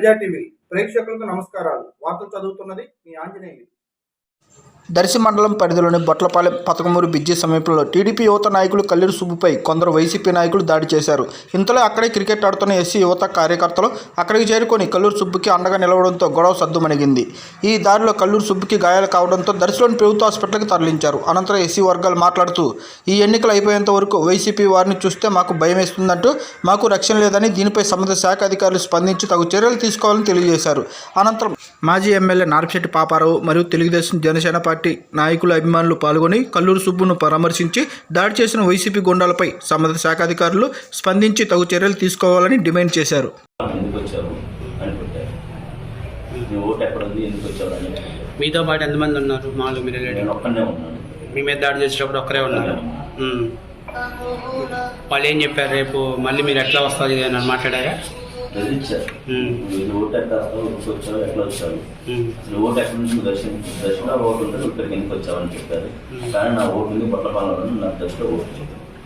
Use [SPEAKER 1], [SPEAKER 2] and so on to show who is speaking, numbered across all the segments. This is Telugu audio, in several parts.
[SPEAKER 1] ప్రజా టీవీ ప్రేక్షకులకు నమస్కారాలు. వార్తలు చదువుతున్నది మీ ఆంజనేయులు.
[SPEAKER 2] దర్శి మండలం పరిధిలోని బొట్లపాలెం పతకమూరు బిజ్జి సమీపంలో టీడీపీ యువత నాయకులు కల్లూరు సుబ్బుపై కొందరు వైసీపీ నాయకులు దాడి చేశారు. ఇంతలో అక్కడే క్రికెట్ ఆడుతున్న ఎస్సీ యువత కార్యకర్తలు అక్కడికి చేరుకొని కల్లూరు సుబ్బుకి అండగా నిలవడంతో గొడవ సద్దుమణిగింది. ఈ దాడిలో కల్లూరు సుబ్బుకి గాయాలు కావడంతో దర్శిలోని ప్రభుత్వ హాస్పిటల్కి తరలించారు. అనంతరం ఎస్సీ వర్గాలు మాట్లాడుతూ ఈ ఎన్నికలు అయిపోయేంత వరకు వైసీపీ వారిని చూస్తే మాకు భయం వేస్తుందంటూ మాకు రక్షణ లేదని దీనిపై సంబంధిత శాఖ అధికారులు స్పందించి తగు చర్యలు తీసుకోవాలని తెలియజేశారు. అనంతరం మాజీ ఎమ్మెల్యే నార్పిశెట్టి పాపారావు మరియు తెలుగుదేశం జనసేన పార్టీ నాయకులు అభిమానులు పాల్గొని కల్లూరు సుబ్బును పరామర్శించి దాడి చేసిన వైసీపీ గుండాలపై సంబంధిత శాఖ అధికారులు స్పందించి తగు చర్యలు తీసుకోవాలని డిమాండ్ చేశారు.
[SPEAKER 3] మీతో పాటు ఎంతమంది ఉన్నారు? మామూలు మీరు మీ మీద దాడి చేసేటప్పుడు ఒక్కరే ఉన్నారు. వాళ్ళు ఏం చెప్పారు? రేపు మళ్ళీ మీరు ఎట్లా వస్తుంది అని మాట్లాడారా?
[SPEAKER 4] ఓటు ఎక్కడ వచ్చావు, ఎట్లా వచ్చావు, ఓటు ఎక్కడి నుంచి దర్శన ఓటు ఉంటే ఇక్కడికి ఎందుకు వచ్చావని చెప్పారు. కానీ నా ఓటు ఉంది బొట్లపాలెంలో, నా దర్శలో ఓటు.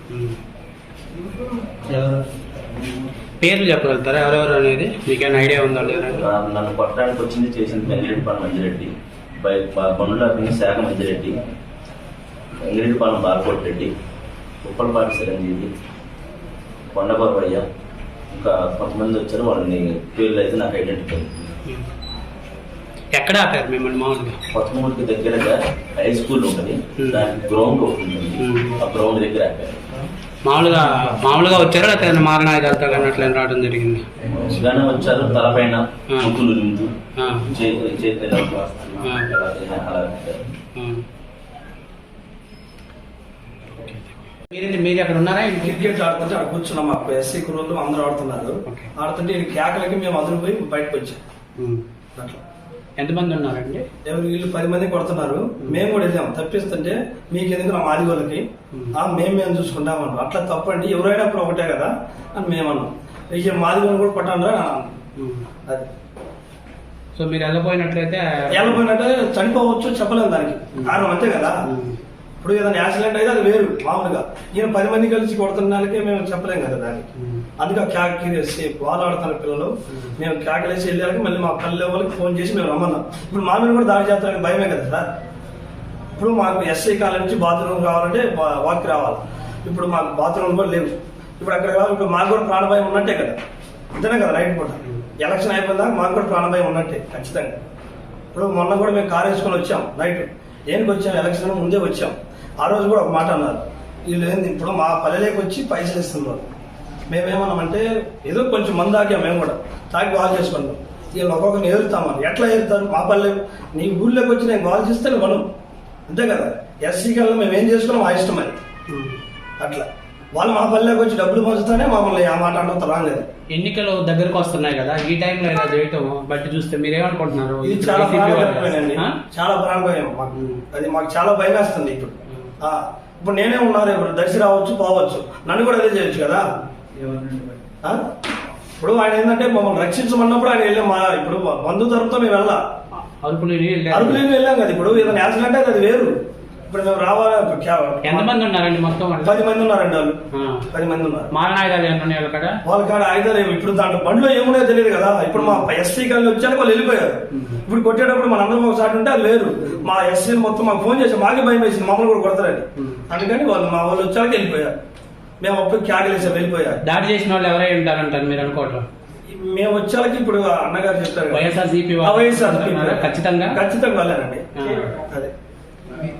[SPEAKER 3] పేర్లు చెప్పగలుగుతారా ఎవరెవరు అనేది? మీకేమైనా ఐడియా ఉందా?
[SPEAKER 4] నన్ను కొట్టడానికి వచ్చింది చేసింది వెంగిరెడ్డిపాలెం మంజిరెడ్డి, బండ్ల శాఖ మంజిరెడ్డి, వెంగిరెడ్డిపాలెం బాలకోటిరెడ్డి, ఉప్పలపాటి చిరంజీవి, కొండబాబయ్య, ఇంకా కొంతమంది వచ్చారు. వాళ్ళని పేర్లు అయితే నాకు ఐడెంటిఫై.
[SPEAKER 3] ఎక్కడ ఆపారు మిమ్మల్ని? మామూలుగా
[SPEAKER 4] కొత్తమూడికి దగ్గరగా హై స్కూల్ ఉంటుంది, దానికి గ్రౌండ్ ఉంటుంది. ఆ గ్రౌండ్ దగ్గర ఆపారు.
[SPEAKER 3] మామూలుగా వచ్చారా లేకపోతే మారణాయుధాలతో కానీ అట్లా రావడం జరిగింది?
[SPEAKER 4] మంచిగానే వచ్చారు. తలపైన ముక్కులు నిందు చేతి అలా.
[SPEAKER 3] మీరు అక్కడ ఉన్నారా?
[SPEAKER 5] క్రికెట్ ఆడుతుంటే అక్కడ కూర్చున్నాం. మాకు ఎస్సీ కుర్రోళ్ళు అందరూ ఆడుతున్నారు. ఆడుతుంటే కేకలకి మేము అందరూ పోయి బయటకు వచ్చాం. అట్లా
[SPEAKER 3] ఎంతమంది ఉన్నారండి?
[SPEAKER 5] ఎవరు వీళ్ళు 10 మంది కొడుతున్నారు. మేము కూడా వెళ్ళాం తప్పిస్తుంటే మీకు ఎందుకు నా మాది వాళ్ళకి మేము చూసుకుంటామన్నాం. అట్లా తప్పండి, ఎవరైనా అప్పుడు ఒకటే కదా అని మేమన్నాం. ఇక మాది వాళ్ళు కూడా కొట్టాను అది.
[SPEAKER 3] సో మీరు వెళ్ళపోయినట్లయితే
[SPEAKER 5] చనిపోవచ్చు, చెప్పలేము దానికి కారణం అంతే కదా. ఇప్పుడు ఏదైనా యాక్సిడెంట్ అయితే అది వేరు. మామూలుగా ఈయన 10 మంది కలిసి కొడుతున్నాకే మేము చెప్పలేం కదా దానికి. అందుకే క్యాకేసి వాళ్ళు ఆడుతున్న పిల్లలు మేము క్యాకలేసి వెళ్ళాక మళ్ళీ మా పల్లె వాళ్ళకి ఫోన్ చేసి మేము రమ్మన్నాం. ఇప్పుడు మా మీద కూడా దాడి చేస్తానికి భయమే కదా సార్. ఇప్పుడు మాకు ఎస్ఐ కాలేజ్ నుంచి బాత్రూమ్ కావాలంటే వాక్ రావాలి. ఇప్పుడు మాకు బాత్రూమ్ కూడా లేవు. ఇప్పుడు అక్కడ కావాలి. ఇప్పుడు మాకు కూడా ప్రాణభయం ఉన్నట్టే కదా. అంతేనే కదా. రైట్ పూట ఎలక్షన్ అయిపోయిందాక మాకు కూడా ప్రాణభయం ఉన్నట్టే ఖచ్చితంగా. ఇప్పుడు మొన్న కూడా మేము కారు వేసుకొని వచ్చాం. నైట్ ఏనికి వచ్చాం, ఎలక్షన్ ముందే వచ్చాం. ఆ రోజు కూడా ఒక మాట అన్నారు, వీళ్ళు ఏంది ఇప్పుడు మా పల్లెలోకి వచ్చి పైసలు ఇస్తున్నారు. మేమేమన్నామంటే ఏదో కొంచెం మంది తాగాం, మేము కూడా తాగి బాగా చేసుకున్నాం. వీళ్ళు ఒక్కొక్కరిని ఏరుతామని. ఎట్లా ఏరుతారు? మా పల్లె నీ ఊళ్ళోకి వచ్చి నేను బాగా చేస్తే మనం అంతే కదా. ఎస్సీ కల్లా మేము ఏం చేసుకున్నాం మా ఇష్టం అది. అట్లా వాళ్ళు మా పల్లెకి వచ్చి డబ్బులు పంచుతానే మమ్మల్ని ఆ మాట అనడం రాలేదు.
[SPEAKER 3] ఎన్నికలు దగ్గరకు వస్తున్నాయి కదా, ఈ టైంలో ఇలా చేయటం బట్టి చూస్తే మీరేమనుకుంటున్నారు?
[SPEAKER 5] ఇది చాలా ప్రాణభయమైపోయినండి, చాలా ప్రాణభయం మాకు. అది మాకు చాలా భయం వేస్తుంది. ఇప్పుడు నేనే ఉన్నారు. ఇప్పుడు దర్శి రావచ్చు, పోవచ్చు, నన్ను కూడా అదే చేయొచ్చు కదా. ఇప్పుడు ఆయన ఏంటంటే మమ్మల్ని రక్షించమన్నప్పుడు ఆయన వెళ్ళాం. ఇప్పుడు బంధు తరపుతో మేము వెళ్ళాం, అరుపులేని వెళ్ళాం కదా. ఇప్పుడు ఏదైనా యాక్సిడెంట్ అయితే అది వేరు. ఇప్పుడు మేము రావాలి.
[SPEAKER 3] ఎంతమంది ఉన్నారండి మొత్తం?
[SPEAKER 5] 10 మంది ఉన్నారండి. వాళ్ళు 10 మంది ఉన్నారు.
[SPEAKER 3] మారణాయుధాలు
[SPEAKER 5] వాళ్ళ కాడ ఆయుధాలు ఏమి ఇప్పుడు దాంట్లో బండిలో ఏమున్నాయో తెలియదు కదా. ఇప్పుడు మా ఎస్సీ కాలనీ వచ్చాక వాళ్ళు వెళ్ళిపోయారు. ఇప్పుడు కొట్టేటప్పుడు మన అందరం ఒకసారి ఉంటే అది వేరు. మా ఎస్సీ మొత్తం మాకు ఫోన్ చేసి మాకే భయం వేసింది, మమ్మల్ని కూడా కొడతారని. అందుకని మా వాళ్ళు వచ్చాక వెళ్ళిపోయారు. మేము అప్పుడు క్యాగలేసాం, వెళ్ళిపోయారు.
[SPEAKER 3] దాడి చేసిన వాళ్ళు ఎవరై ఉంటారంటారు మీరు అనుకోవటం?
[SPEAKER 5] మేము వచ్చాక ఇప్పుడు అన్నగారు చెప్తారు
[SPEAKER 3] వైఎస్ఆర్సీపీ ఖచ్చితంగా
[SPEAKER 5] వెళ్ళారండి. అదే